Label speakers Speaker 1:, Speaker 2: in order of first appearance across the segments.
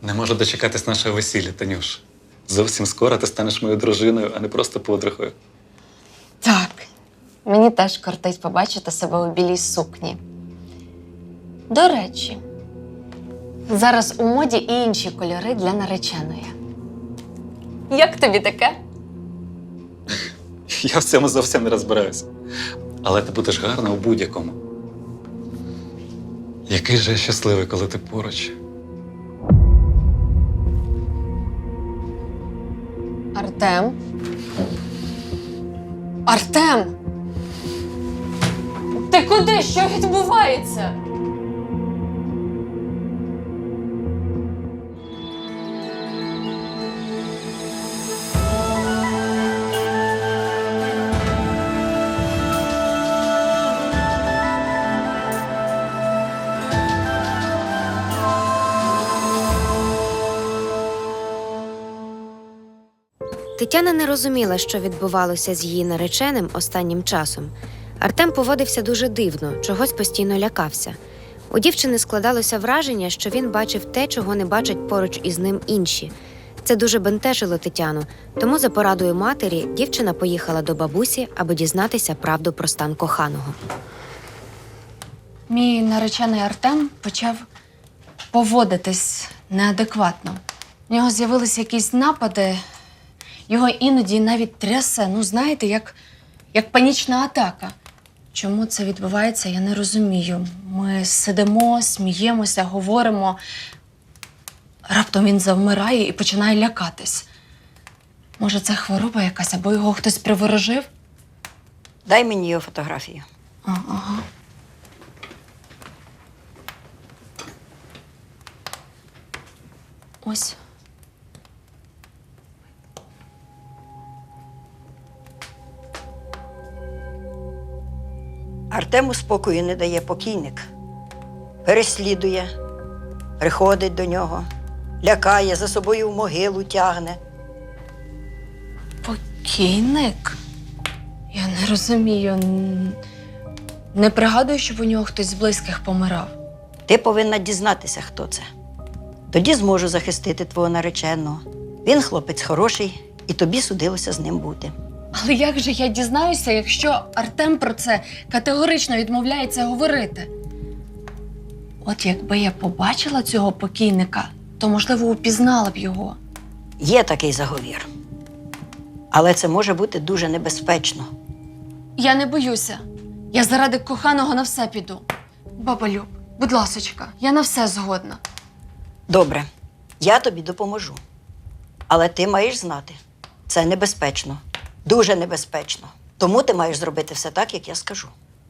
Speaker 1: Не можу дочекатись нашого весілля, Танюш. Зовсім скоро ти станеш моєю дружиною, а не просто подругою.
Speaker 2: Так. Мені теж кортить побачити себе у білій сукні. До речі, зараз у моді і інші кольори для нареченої. Як тобі таке?
Speaker 1: Я в цьому зовсім не розбираюся. Але ти будеш гарна у будь-якому. Який же я щасливий, коли ти поруч.
Speaker 2: Артем? Артем! Ти куди? Що відбувається?
Speaker 3: Тетяна не розуміла, що відбувалося з її нареченим останнім часом. Артем поводився дуже дивно, чогось постійно лякався. У дівчини складалося враження, що він бачив те, чого не бачать поруч із ним інші. Це дуже бентежило Тетяну, тому за порадою матері дівчина поїхала до бабусі, аби дізнатися правду про стан коханого.
Speaker 2: Мій наречений Артем почав поводитись неадекватно. У нього з'явилися якісь напади, його іноді навіть трясе, знаєте, як панічна атака. Чому це відбувається, я не розумію. Ми сидимо, сміємося, говоримо. Раптом він завмирає і починає лякатись. Може, це хвороба якась, або його хтось приворожив?
Speaker 4: Дай мені його фотографію.
Speaker 2: Ага. Ось.
Speaker 4: Артему спокою не дає покійник. Переслідує, приходить до нього, лякає, за собою в могилу тягне.
Speaker 2: Покійник? Я не розумію. Не пригадую, щоб у нього хтось з близьких помирав.
Speaker 4: Ти повинна дізнатися, хто це. Тоді зможу захистити твого нареченого. Він хлопець хороший, і тобі судилося з ним бути.
Speaker 2: Але як же я дізнаюся, якщо Артем про це категорично відмовляється говорити? От якби я побачила цього покійника, то, можливо, упізнала б його.
Speaker 4: Є такий заговір. Але це може бути дуже небезпечно.
Speaker 2: Я не боюся. Я заради коханого на все піду. Баба Люб, будь ласочка, я на все згодна.
Speaker 4: Добре, я тобі допоможу. Але ти маєш знати, це небезпечно. Дуже небезпечно. Тому ти маєш зробити все так, як я скажу.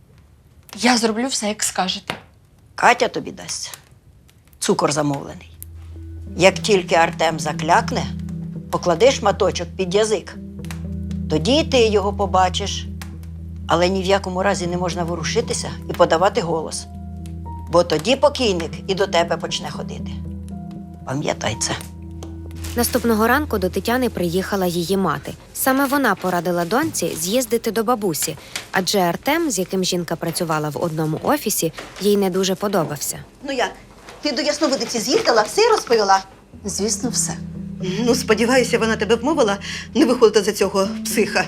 Speaker 2: Я зроблю все, як скажете.
Speaker 4: Катя тобі дасть цукор замовлений. Як тільки Артем заклякне, поклади шматочок під язик. Тоді і ти його побачиш. Але ні в якому разі не можна ворушитися і подавати голос. Бо тоді покійник і до тебе почне ходити. Пам'ятай це.
Speaker 3: Наступного ранку до Тетяни приїхала її мати. Саме вона порадила доньці з'їздити до бабусі, адже Артем, з яким жінка працювала в одному офісі, їй не дуже подобався.
Speaker 5: Ну як? Ти до Ясновидиці з'їздила, все розповіла?
Speaker 2: Звісно, все.
Speaker 5: Ну, сподіваюся, вона тебе вмовила не виходити за цього психа.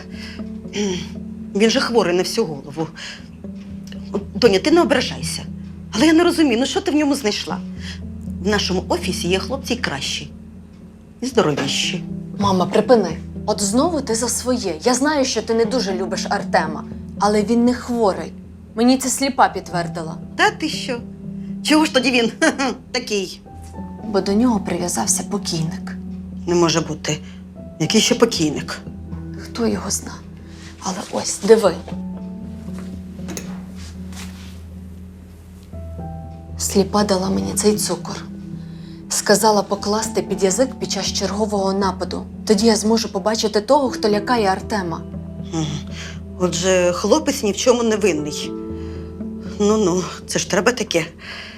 Speaker 5: Він же хворий на всю голову. Доня, ти не ображайся. Але я не розумію, що ти в ньому знайшла? В нашому офісі є хлопці й кращі. І здоровіші.
Speaker 2: Мама, припини. От знову ти за своє. Я знаю, що ти не дуже любиш Артема, але він не хворий. Мені це сліпа підтвердила.
Speaker 5: Та ти що? Чого ж тоді він такий?
Speaker 2: Бо до нього прив'язався покійник.
Speaker 5: Не може бути. Який ще покійник?
Speaker 2: Хто його зна? Але ось, диви. Сліпа дала мені цей цукор. Сказала покласти під язик під час чергового нападу. Тоді я зможу побачити того, хто лякає Артема.
Speaker 5: Отже, хлопець ні в чому не винний. Ну, це ж треба таке.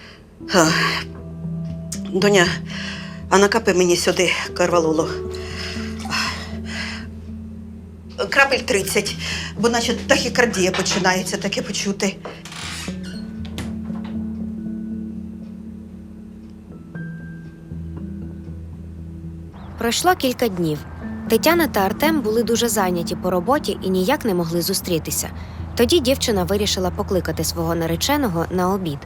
Speaker 5: Доня, а накапи мені сюди карвалолу. Крапель 30, бо наче тахікардія починається таке почути.
Speaker 3: Пройшло кілька днів. Тетяна та Артем були дуже зайняті по роботі і ніяк не могли зустрітися. Тоді дівчина вирішила покликати свого нареченого на обід.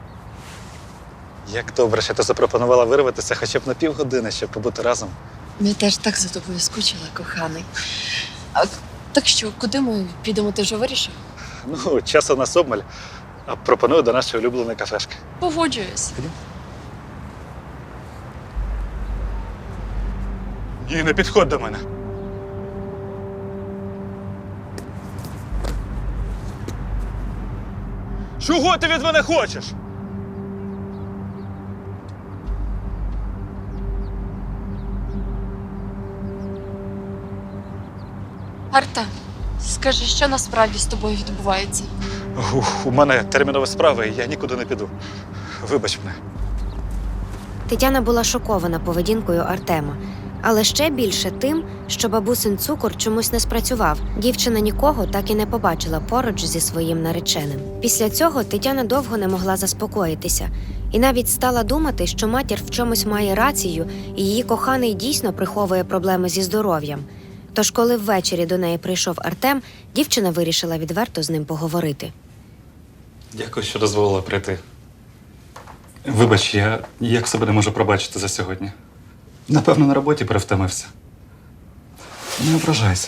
Speaker 1: Як добре, що ти запропонувала вирватися хоча б на півгодини, щоб побути разом.
Speaker 2: Я теж так за тобою скучила, коханий. Так що, куди ми підемо, ти вже вирішив?
Speaker 1: Ну, часу у нас обмаль. А пропоную до нашої улюбленої кафешки.
Speaker 2: Погоджуюсь.
Speaker 1: Ні, не підходь до мене. Чого ти від мене хочеш?
Speaker 2: Арта, скажи, що насправді з тобою відбувається?
Speaker 1: У мене термінові справи, і я нікуди не піду. Вибач мене.
Speaker 3: Тетяна була шокована поведінкою Артема, але ще більше тим, що бабусин цукор чомусь не спрацював. Дівчина нікого так і не побачила поруч зі своїм нареченим. Після цього Тетяна довго не могла заспокоїтися і навіть стала думати, що матір в чомусь має рацію, і її коханий дійсно приховує проблеми зі здоров'ям. Тож, коли ввечері до неї прийшов Артем, дівчина вирішила відверто з ним поговорити.
Speaker 1: Дякую, що дозволила прийти. Вибач, я ніяк себе не можу пробачити за сьогодні. Напевно, на роботі перевтомився. Не ображайся.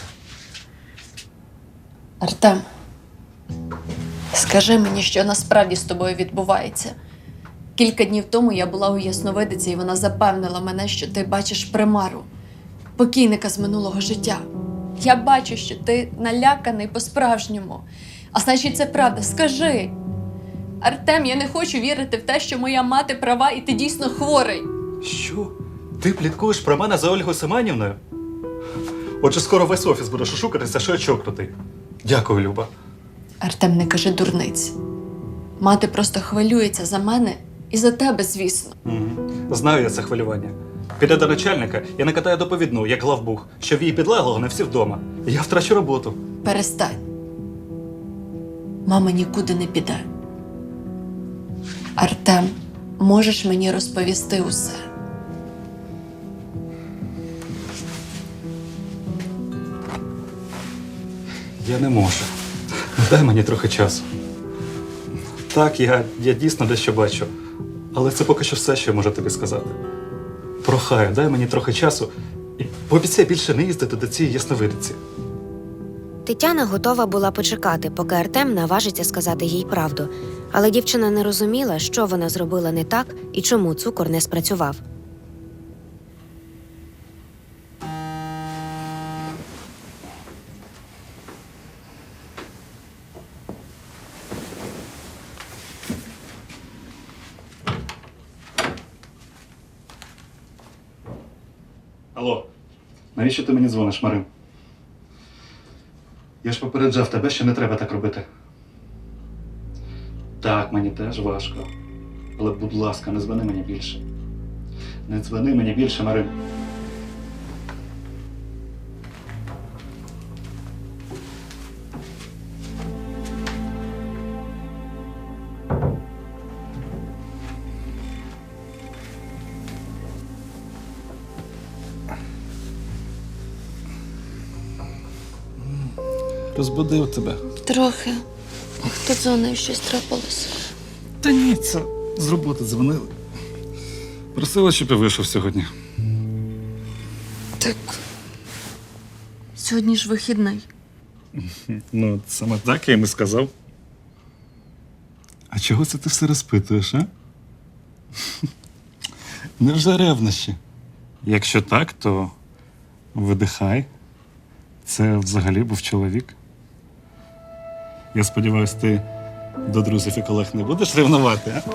Speaker 2: Артем, скажи мені, що насправді з тобою відбувається. Кілька днів тому я була у ясновидиці, і вона запевнила мене, що ти бачиш примару, покійника з минулого життя. Я бачу, що ти наляканий по-справжньому. А значить, це правда. Скажи. Артем, я не хочу вірити в те, що моя мати права і ти дійсно хворий.
Speaker 1: Що? Ти пліткуєш про мене за Ольгою Семенівною? Отже, скоро весь офіс буде шушукатися, що я чокнутий. Дякую, Люба.
Speaker 2: Артем, не кажи дурниць. Мати просто хвилюється за мене і за тебе, звісно.
Speaker 1: Знаю я це хвилювання. Піде до начальника і накатає доповідну, як главбух, що в її підлеглого не всі вдома. Я втрачу роботу.
Speaker 2: Перестань. Мама нікуди не піде. Артем, можеш мені розповісти усе?
Speaker 1: Я не можу. Дай мені трохи часу. Так, я дійсно дещо бачу. Але це поки що все, що я можу тобі сказати. Прохаю, дай мені трохи часу і пообіцяй більше не їздити до цієї ясновидиці.
Speaker 3: Тетяна готова була почекати, поки Артем наважиться сказати їй правду. Але дівчина не розуміла, що вона зробила не так і чому цукор не спрацював.
Speaker 1: Алло, навіщо ти мені дзвониш, Марин? Я ж попереджав тебе, що не треба так робити. Так, мені теж важко. Але, будь ласка, не дзвони мені більше. Не дзвони мені більше, Марин. Розбудив тебе.
Speaker 2: Трохи. Хто дзвонив, щось трапилося?
Speaker 1: Та ні, це з роботи дзвонили. Просила, щоб я вийшов сьогодні.
Speaker 2: Так. Сьогодні ж вихідний.
Speaker 1: Ну, саме так я їм і сказав. А чого це ти все розпитуєш, а? Невже ревнощі? Якщо так, то видихай. Це взагалі був чоловік. Я сподіваюся, ти до друзів і колег не будеш ревнувати, а?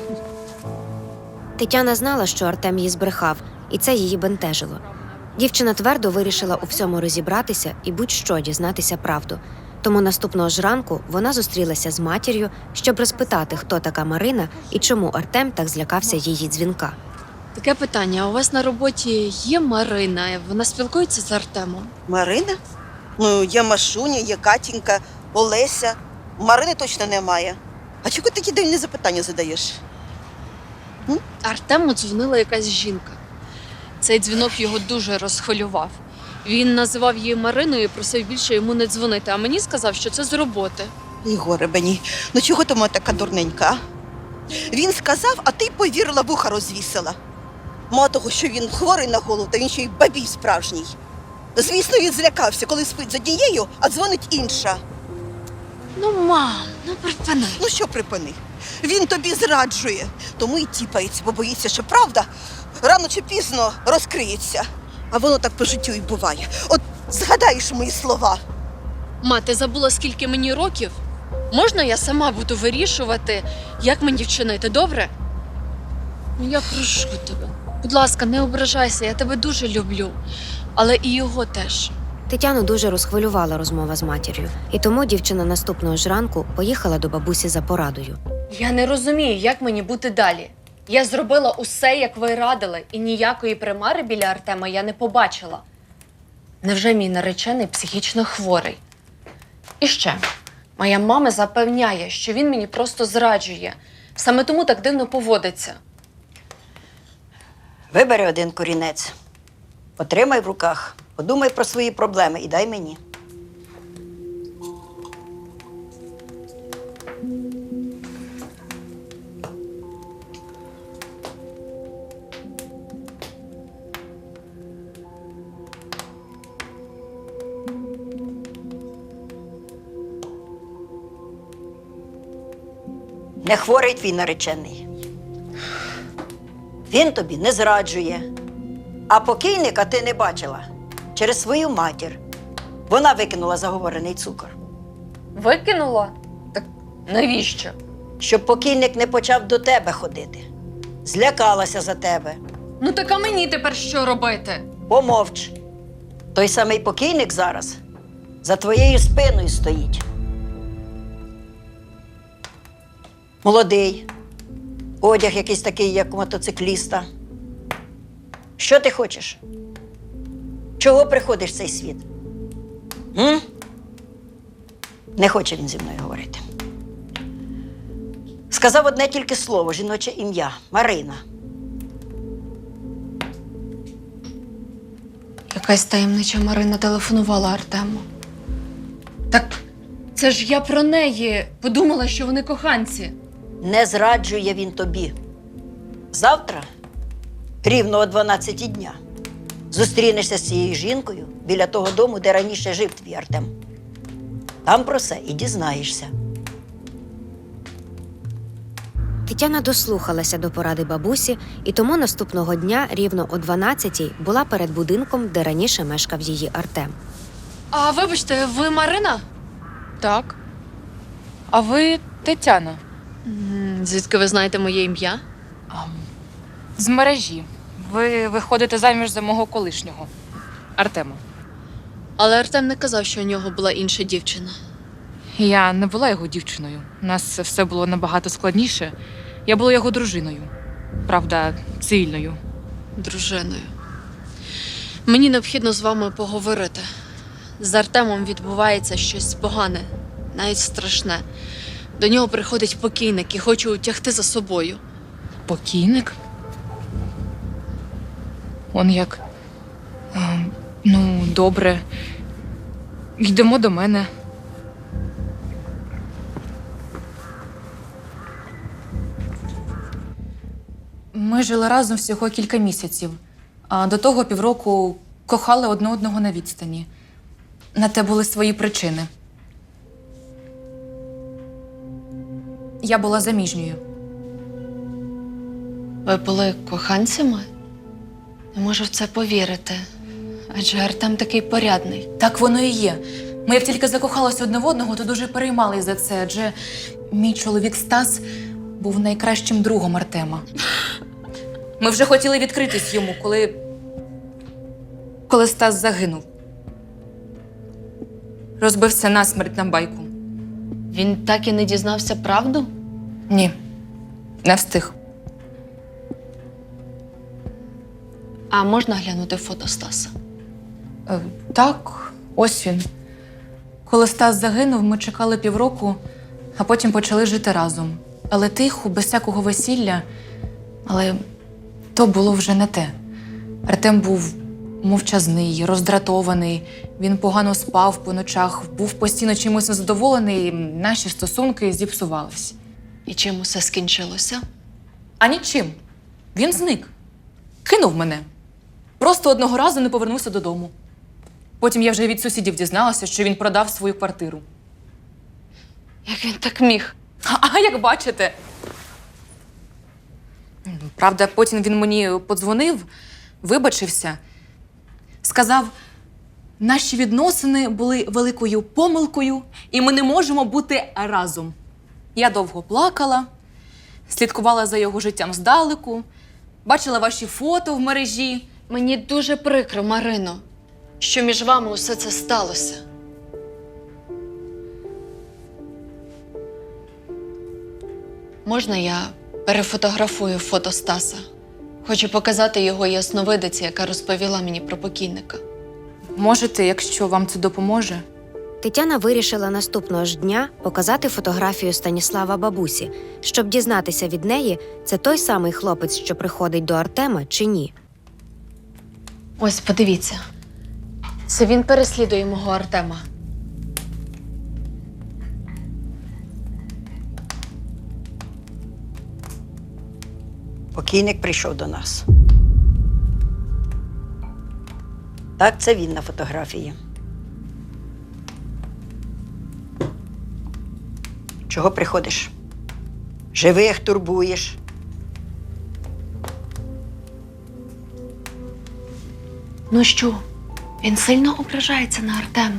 Speaker 3: Тетяна знала, що Артем їй збрехав, і це її бентежило. Дівчина твердо вирішила у всьому розібратися і будь-що дізнатися правду. Тому наступного ж ранку вона зустрілася з матір'ю, щоб розпитати, хто така Марина і чому Артем так злякався її дзвінка.
Speaker 2: Таке питання. У вас на роботі є Марина? Вона спілкується з Артемом?
Speaker 5: Марина? Ну, є Машуня, є Катінька, Олеся. Марини точно немає. А чого такі дивні запитання задаєш?
Speaker 2: Артему дзвонила якась жінка. Цей дзвінок його дуже розхвилював. Він називав її Мариною і просив більше йому не дзвонити, а мені сказав, що це з роботи.
Speaker 5: Ігоре мені, ну чого ти моя така дурненька? А? Він сказав, а ти повірила, вуха розвісила. Мало того, що він хворий на голову, та він ще й бабій справжній. Звісно, він злякався, коли спить з однією, а дзвонить інша.
Speaker 2: Ну, мам, ну припини.
Speaker 5: Ну що припини? Він тобі зраджує, тому і тіпається, бо боїться, що правда рано чи пізно розкриється. А воно так по життю і буває. От згадаєш мої слова.
Speaker 2: Ма, ти забула, скільки мені років? Можна я сама буду вирішувати, як мені вчинити, добре? Ну, я прошу тебе. Будь ласка, не ображайся, я тебе дуже люблю. Але і його теж.
Speaker 3: Тетяну дуже розхвилювала розмова з матір'ю, і тому дівчина наступного ж ранку поїхала до бабусі за порадою.
Speaker 2: Я не розумію, як мені бути далі. Я зробила усе, як ви радили, і ніякої примари біля Артема я не побачила. Невже мій наречений психічно хворий? І ще, моя мама запевняє, що він мені просто зраджує. Саме тому так дивно поводиться.
Speaker 4: Вибери один корінець, потримай в руках, подумай про свої проблеми і дай мені. Не хворий твій наречений. Він тобі не зраджує. А покійника ти не бачила через свою матір. Вона викинула заговорений цукор.
Speaker 2: Викинула? Так навіщо?
Speaker 4: Щоб покійник не почав до тебе ходити. Злякалася за тебе.
Speaker 2: Ну так а мені тепер що робити?
Speaker 4: Помовч. Той самий покійник зараз за твоєю спиною стоїть. Молодий. Одяг якийсь такий, як у мотоцикліста. Що ти хочеш? Чого приходиш в цей світ? М? Не хоче він зі мною говорити. Сказав одне тільки слово, жіноче ім'я – Марина.
Speaker 2: Якась таємнича Марина телефонувала Артему. Так це ж я про неї подумала, що вони коханці.
Speaker 4: Не зраджує він тобі. Завтра, рівно о 12 дня, зустрінешся з цією жінкою біля того дому, де раніше жив твій Артем. Там про все і дізнаєшся.
Speaker 3: Тетяна дослухалася до поради бабусі, і тому наступного дня рівно о 12-й була перед будинком, де раніше мешкав її Артем.
Speaker 2: А вибачте, ви Марина?
Speaker 6: Так. А ви Тетяна?
Speaker 2: Звідки ви знаєте моє ім'я?
Speaker 6: З мережі. Ви виходите заміж за мого колишнього Артема.
Speaker 2: Але Артем не казав, що у нього була інша дівчина.
Speaker 6: Я не була його дівчиною. У нас все було набагато складніше. Я була його дружиною. Правда, цивільною.
Speaker 2: Дружиною. Мені необхідно з вами поговорити. З Артемом відбувається щось погане, навіть страшне. До нього приходить покійник і хоче утягти за собою.
Speaker 6: Покійник? Он як. Ну, добре. Йдемо до мене. Ми жили разом всього кілька місяців, а до того півроку кохали одне одного на відстані. На те були свої причини. Я була заміжньою.
Speaker 2: Ви були коханцями? Не можу в це повірити. Адже Артем такий порядний.
Speaker 6: Так воно і є. Ми як тільки закохалися одне в одного, то дуже переймались за це, адже мій чоловік Стас був найкращим другом Артема. Ми вже хотіли відкритись йому, коли Стас загинув. Розбився насмерть на байку.
Speaker 2: Він так і не дізнався правду?
Speaker 6: Ні, не встиг.
Speaker 2: А можна глянути фото Стаса?
Speaker 6: Так, ось він. Коли Стас загинув, ми чекали півроку, а потім почали жити разом. Але тихо, без всякого весілля. Але то було вже не те. Артем був мовчазний, роздратований, він погано спав по ночах, був постійно чимось незадоволений, наші стосунки зіпсувались.
Speaker 2: І чим усе скінчилося?
Speaker 6: А нічим. Він зник. Кинув мене. Просто одного разу не повернувся додому. Потім я вже від сусідів дізналася, що він продав свою квартиру.
Speaker 2: Як він так міг?
Speaker 6: А як бачите. Правда, потім він мені подзвонив, вибачився, сказав, наші відносини були великою помилкою, і ми не можемо бути разом. Я довго плакала, слідкувала за його життям здалеку, бачила ваші фото в мережі.
Speaker 2: Мені дуже прикро, Марино, що між вами усе це сталося. Можна я перефотографую фото Стаса? Хочу показати його ясновидиці, яка розповіла мені про покійника.
Speaker 6: Можете, якщо вам це допоможе?
Speaker 3: Тетяна вирішила наступного ж дня показати фотографію Станіслава бабусі, щоб дізнатися від неї, це той самий хлопець, що приходить до Артема, чи ні.
Speaker 2: Ось, подивіться. Це він переслідує мого Артема.
Speaker 4: Покійник прийшов до нас. Так, це він на фотографії. Чого приходиш? Живих турбуєш.
Speaker 2: Ну що, він сильно ображається на Артема?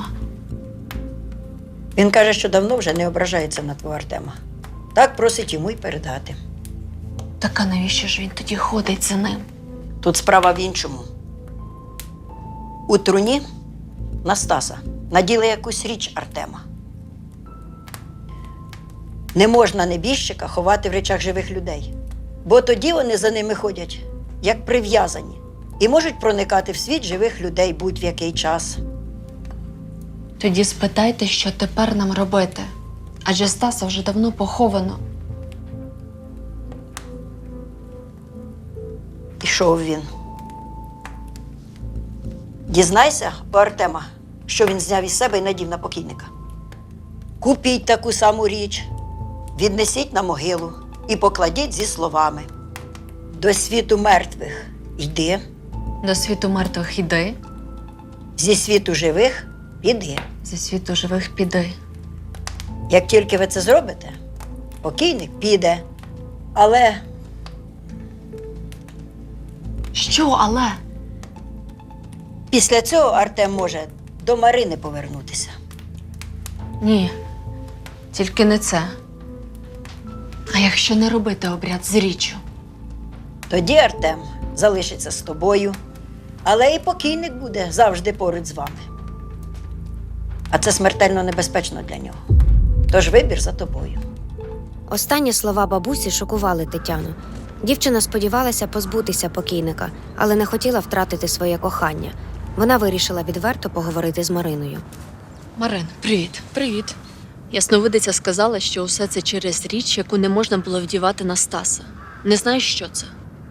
Speaker 4: Він каже, що давно вже не ображається на твого Артема. Так просить йому й передати.
Speaker 2: Так а навіщо ж він тоді ходить за ним?
Speaker 4: Тут справа в іншому. У труні на Стаса наділи якусь річ Артема. Не можна небіжчика ховати в речах живих людей, бо тоді вони за ними ходять, як прив'язані, і можуть проникати в світ живих людей будь-в який час.
Speaker 2: Тоді спитайте, що тепер нам робити. Адже Стаса вже давно поховано.
Speaker 4: Пішов він. Дізнайся у Артема, що він зняв із себе і надів на покійника. Купіть таку саму річ, віднесіть на могилу і покладіть зі словами: до світу мертвих йди,
Speaker 2: До світу мертвих іди,
Speaker 4: зі світу живих піди.
Speaker 2: зі світу живих піди.
Speaker 4: Як тільки ви це зробите, покійник піде. Але
Speaker 2: Що, але?
Speaker 4: після цього Артем може до Марини повернутися.
Speaker 2: Ні, тільки не це. А якщо не робити обряд з річчю?
Speaker 4: Тоді Артем залишиться з тобою, але і покійник буде завжди поруч з вами. А це смертельно небезпечно для нього. Тож вибір за тобою.
Speaker 3: Останні слова бабусі шокували Тетяну. Дівчина сподівалася позбутися покійника, але не хотіла втратити своє кохання. Вона вирішила відверто поговорити з Мариною.
Speaker 2: Марин, привіт. Привіт. Ясновидиця сказала, що усе це через річ, яку не можна було вдівати на Стаса. Не знаєш, що це?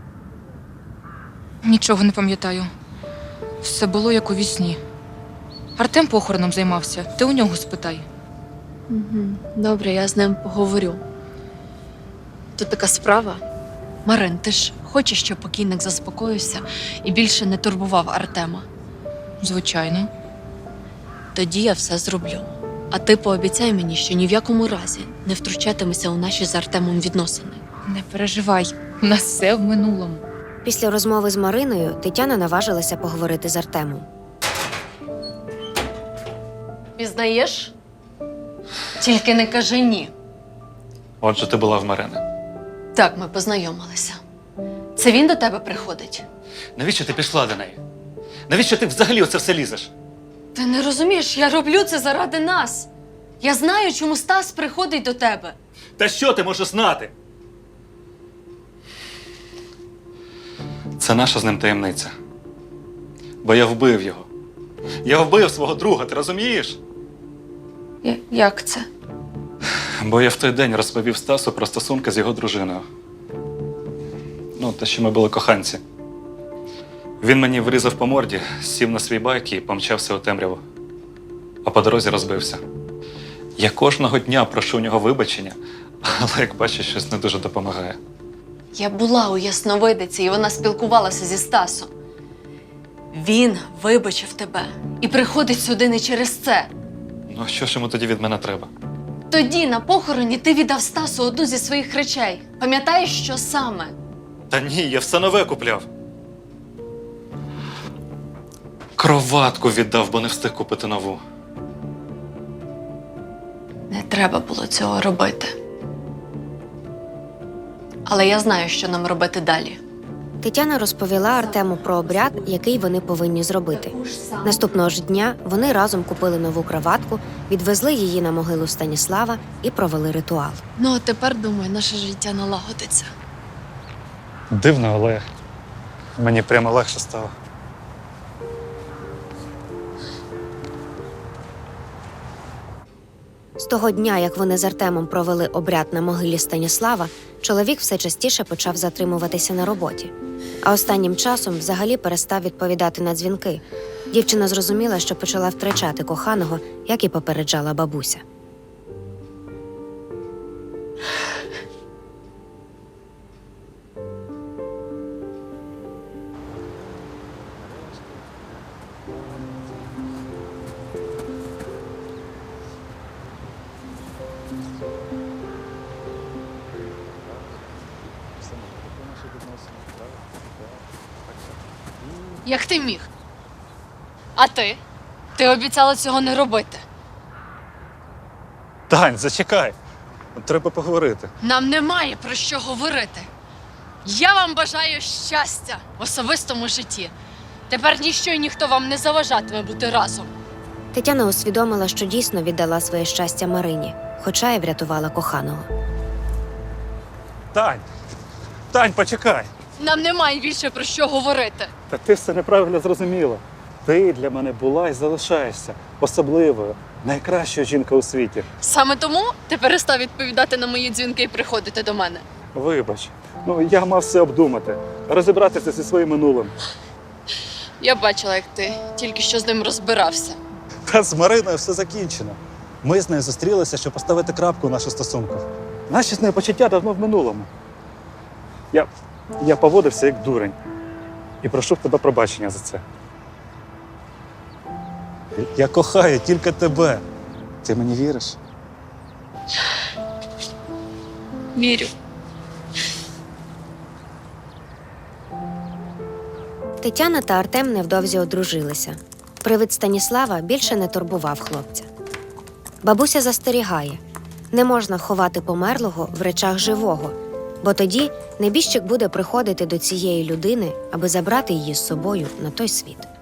Speaker 6: Нічого не пам'ятаю. Все було як у вісні. Артем похороном займався. Ти у нього спитай.
Speaker 2: Добре, я з ним поговорю. Тут така справа. Марин, ти ж хочеш, щоб покійник заспокоївся і більше не турбував Артема?
Speaker 6: Звичайно.
Speaker 2: Тоді я все зроблю. А ти пообіцяй мені, що ні в якому разі не втручатимешся у наші з Артемом відносини.
Speaker 6: Не переживай, у нас все в минулому.
Speaker 3: Після розмови з Мариною Тетяна наважилася поговорити з Артемом.
Speaker 2: Пізнаєш? Тільки не кажи ні.
Speaker 1: Отже, ти була в Марини.
Speaker 2: Так, ми познайомилися. Це він до тебе приходить?
Speaker 1: Навіщо ти пішла до неї? Навіщо ти взагалі оце все лізеш?
Speaker 2: Ти не розумієш, я роблю це заради нас. Я знаю, чому Стас приходить до тебе.
Speaker 1: Та що ти можеш знати? Це наша з ним таємниця. Бо я вбив його. Я вбив свого друга, ти розумієш?
Speaker 2: Як це?
Speaker 1: Бо я в той день розповів Стасу про стосунки з його дружиною. Ну, те, що ми були коханці. Він мені врізав по морді, сів на свій байк і помчався у темряву. А по дорозі розбився. Я кожного дня прошу у нього вибачення, але, як бачиш, щось не дуже допомагає.
Speaker 2: Я була у ясновидиці, і вона спілкувалася зі Стасом. Він вибачив тебе і приходить сюди не через це.
Speaker 1: Ну, а що ж йому тоді від мене треба?
Speaker 2: Тоді на похороні ти віддав Стасу одну зі своїх речей. Пам'ятаєш, що саме?
Speaker 1: Та ні, я все нове купляв. Кроватку віддав, бо не встиг купити нову.
Speaker 2: Не треба було цього робити. Але я знаю, що нам робити далі.
Speaker 3: Тетяна розповіла Артему про обряд, який вони повинні зробити. Наступного ж дня вони разом купили нову краватку, відвезли її на могилу Станіслава і провели ритуал.
Speaker 2: Ну, а тепер, думаю, наше життя налагодиться.
Speaker 1: Дивно, але мені прямо легше стало.
Speaker 3: З того дня, як вони з Артемом провели обряд на могилі Станіслава, чоловік все частіше почав затримуватися на роботі. А останнім часом взагалі перестав відповідати на дзвінки. Дівчина зрозуміла, що почала втрачати коханого, як і попереджала бабуся.
Speaker 2: Як ти міг? А ти? Ти обіцяла цього не робити.
Speaker 1: Тань, зачекай. Треба поговорити.
Speaker 2: Нам немає про що говорити. Я вам бажаю щастя в особистому житті. Тепер ніщо і ніхто вам не заважатиме бути разом.
Speaker 3: Тетяна усвідомила, що дійсно віддала своє щастя Марині, хоча й врятувала коханого.
Speaker 1: Тань, почекай.
Speaker 2: Нам немає більше про що говорити.
Speaker 1: Та ти все неправильно зрозуміла. Ти для мене була і залишаєшся особливою, найкращою жінкою у світі.
Speaker 2: Саме тому ти перестав відповідати на мої дзвінки і приходити до мене.
Speaker 1: Вибач, я мав все обдумати, розібратися зі своїм минулим.
Speaker 2: Я бачила, як ти тільки що з ним розбирався.
Speaker 1: Та з Мариною все закінчено. Ми з нею зустрілися, щоб поставити крапку у наших стосунках. Наші з нею почуття давно в минулому. Я поводився як дурень. І прошу в тебе пробачення за це. Я кохаю тільки тебе. Ти мені віриш?
Speaker 2: Вірю.
Speaker 3: Тетяна та Артем невдовзі одружилися. Привид Станіслава більше не турбував хлопця. Бабуся застерігає – не можна ховати померлого в речах живого, бо тоді небіжчик буде приходити до цієї людини, аби забрати її з собою на той світ.